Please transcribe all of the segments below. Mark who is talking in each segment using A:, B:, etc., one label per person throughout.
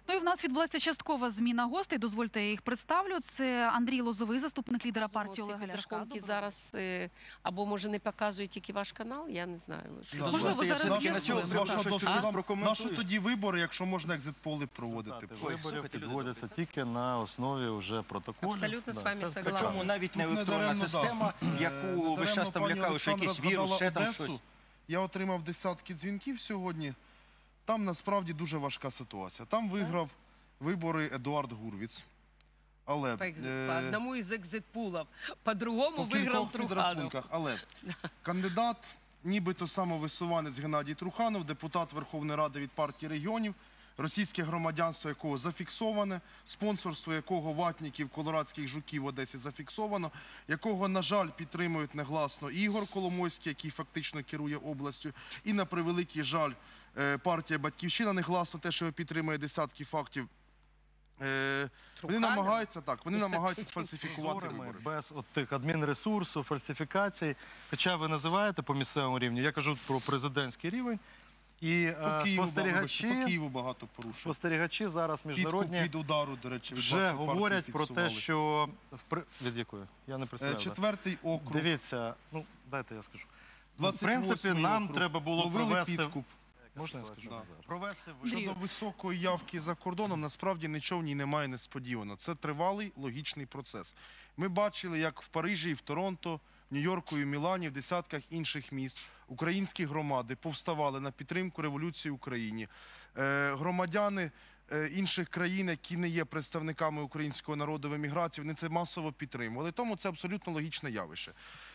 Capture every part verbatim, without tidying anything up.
A: Ну і в нас відбулася часткова зміна гостей. Дозвольте, я їх представлю. Це Андрій Лозовий, заступник лідера партії Олега Ляшка.
B: Зараз, або може не показує тільки ваш канал, я не знаю.
A: Можливо, зараз
C: Наші тоді вибори, якщо можна екзит-поли проводити.
D: Вибори підводяться тільки на основі вже протоколів.
B: Абсолютно з вами согласна.
E: Причому навіть не електронна система, яку ви зараз там лякали, що якийсь вірус, ще там щось.
C: Я отримав десятки дзвінків сьогодні. Там насправді дуже важка ситуація. Там виграв вибори Едуард Гурвіц. Але
B: по одному із екзит-пулів, по-другому виграв Труханов.
C: Але кандидат, нібито самовисуванець Геннадій Труханов, депутат Верховної Ради від партії регіонів, російське громадянство якого зафіксоване, спонсорство якого ватників, колорадських жуків в Одесі зафіксовано, якого, на жаль, підтримують негласно Ігор Коломойський, який фактично керує областю, і, на превеликий жаль, партія «Батьківщина» негласно те, що його підтримує десятки фактів. Вони намагаються, так, вони намагаються сфальсифікувати вибори.
D: Без от тих адмінресурсу, фальсифікацій. Хоча ви називаєте по місцевому рівню, я кажу про президентський рівень. І
C: спостерігачі, багато порушень.
D: Спостерігачі зараз міжнародні
C: від удару, до речі,
D: вже говорять про те, що... Від якої? Я не представляю.
C: Четвертий округ.
D: Дивіться, ну, дайте я скажу. В принципі, нам треба було провести...
C: підкуп.
D: Можна я скажу?
C: Провести щодо високої явки за кордоном, насправді нічого в ній немає несподівано. Це тривалий логічний процес. Ми бачили, як в Парижі і в Торонто, в Нью-Йорку і в Мілані, в десятках інших міст українські громади повставали на підтримку революції в Україні. Громадяни інших країн, які не є представниками українського народу в еміграції, вони це масово підтримували. Тому це абсолютно логічне явище.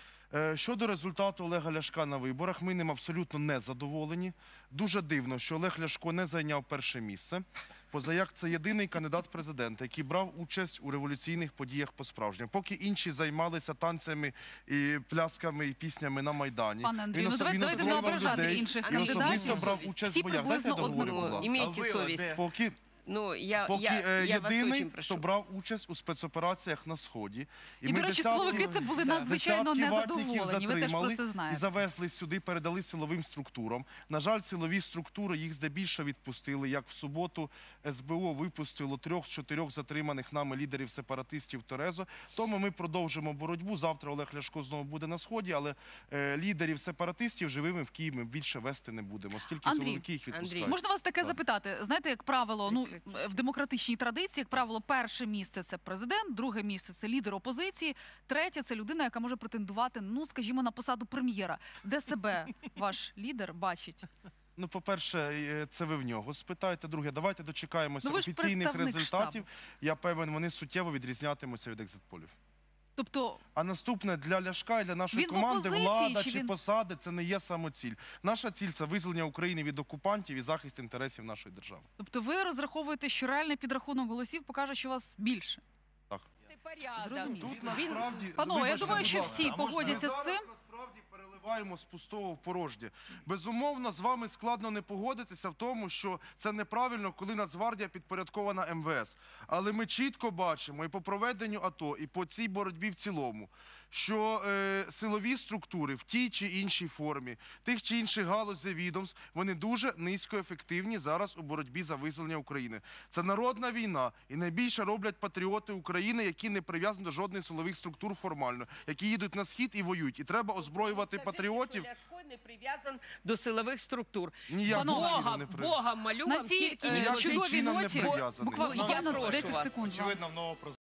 C: Щодо результату Олега Ляшка на виборах, ми ним абсолютно не задоволені. Дуже дивно, що Олег Ляшко не зайняв перше місце, позаяк це єдиний кандидат в президенти, який брав участь у революційних подіях по-справжньому. Поки інші займалися танцями, і плясками і піснями на Майдані.
A: Пане Андрію, ну давайте не ображати інших кандидатів.
C: Він особисто брав участь в боях. Дайте я договорю, будь ласка.
B: Імейте совість.
C: Поки...
B: Ну, я,
C: Поки
B: я, я
C: єдиний, хто брав участь у спецопераціях на Сході.
A: І, і до речі, силовики це були надзвичайно незадоволені, ви теж про це знаєте.
C: І завезли сюди, передали силовим структурам. На жаль, силові структури їх здебільшого відпустили. Як в суботу ес бе о випустило трьох з чотирьох затриманих нами лідерів сепаратистів Торезо. Тому ми продовжимо боротьбу. Завтра Олег Ляшко знову буде на Сході, але е, лідерів сепаратистів живими в Київ ми більше вести не будемо, оскільки
A: Андрій,
C: силовики їх відпускають.
A: Андрій, можна вас таке так. запитати? Знаєте, як правило, ну, в демократичній традиції, як правило, перше місце – це президент, друге місце – це лідер опозиції, третє – це людина, яка може претендувати, ну, скажімо, на посаду прем'єра. Де себе ваш лідер бачить?
C: Ну, по-перше, це ви в нього спитаєте. Друге, давайте дочекаємося
A: ну,
C: офіційних результатів.
A: Штабу.
C: Я певен, вони суттєво відрізнятимуться від екзит-полів.
A: Тобто...
C: А наступне, для Ляшка і для нашої команди влада чи, чи він... посади – це не є самоціль. Наша ціль – це визволення України від окупантів і захист інтересів нашої держави.
A: Тобто ви розраховуєте, що реальний підрахунок голосів покаже, що вас більше?
C: Так.
A: Зрозуміло.
C: Тут насправді...
A: Панове, я думаю, що всі погодяться з цим.
C: Ми зараз насправді переливаємо з пустого в порожнє. Безумовно, з вами складно не погодитися в тому, що це неправильно, коли Нацгвардія підпорядкована ем ве ес. Але ми чітко бачимо і по проведенню АТО, і по цій боротьбі в цілому, що е, силові структури в тій чи іншій формі, тих чи інших галузей відомств, вони дуже низькоефективні зараз у боротьбі за визволення України. Це народна війна, і найбільше роблять патріоти України, які не прив'язані до жодних силових структур формально, які їдуть на схід і воюють. І треба озброювати
B: Скажіть,
C: патріотів.
B: Ляшко не прив'язан до силових структур.
C: Ніяким чином не
B: прив'язаний. Богом молю вам, тільки
A: на цій чудовій ноті, буквально десять секунд.
D: Очевидно, в нового президента